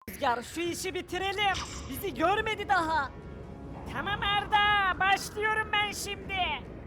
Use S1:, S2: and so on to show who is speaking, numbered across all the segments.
S1: Rüzgar şu işi bitirelim. Bizi görmedi daha.
S2: Tamam Arda, başlıyorum ben şimdi.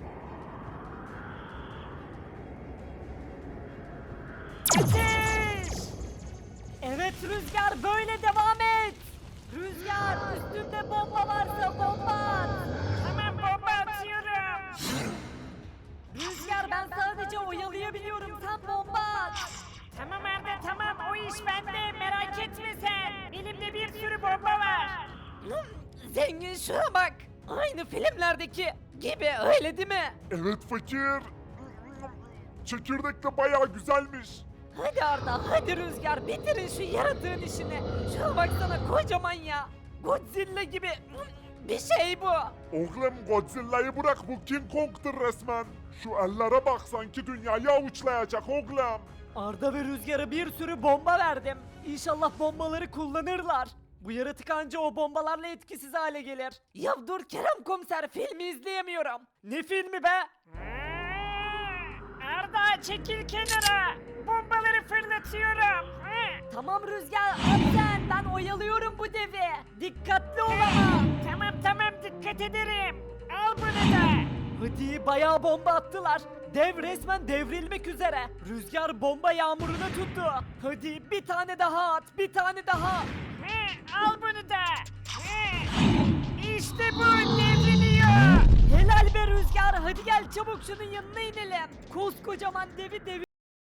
S2: Ateş!
S1: Evet Rüzgar böyle devam et. Rüzgar üstünde bomba varsa bomba at.
S2: Tamam bomba atıyorum.
S1: Rüzgar ben sadece oyalayabiliyorum sen bomba at.
S2: Tamam Arda tamam o iş bende merak etme sen. Elimde bir sürü bomba var.
S1: Zengin şuna bak. Aynı filmlerdeki gibi öyle değil mi?
S3: Evet fakir. Çekirdek de bayağı güzelmiş.
S1: Hadi Arda hadi Rüzgar bitirin şu yaratığın işini. Şuna baksana kocaman ya. Godzilla gibi bir şey bu.
S3: Oğlum Godzilla'yı bırak, bu King Kong'tur resmen. Şu ellere bak, sanki dünyayı avuçlayacak oğlum.
S1: Arda ve Rüzgar'a bir sürü bomba verdim. İnşallah bombaları kullanırlar. Bu yaratık anca o bombalarla etkisiz hale gelir. Ya dur Kerem komiser filmi izleyemiyorum. Ne filmi be?
S2: Arda çekil kenara. Bombaları fırlatıyorum.
S1: Tamam Rüzgar at sen ben oyalıyorum bu devi. Dikkatli ol ama.
S2: Tamam dikkat ederim. Al bunu da.
S1: Hadi bayağı bomba attılar. Dev resmen devrilmek üzere. Rüzgar bomba yağmuruna tuttu. Hadi bir tane daha at bir tane daha.
S2: Al bunu da. İşte bu devriliyor.
S1: Helal be Rüzgar hadi gel çabuk şunun yanına inelim. Koskocaman devi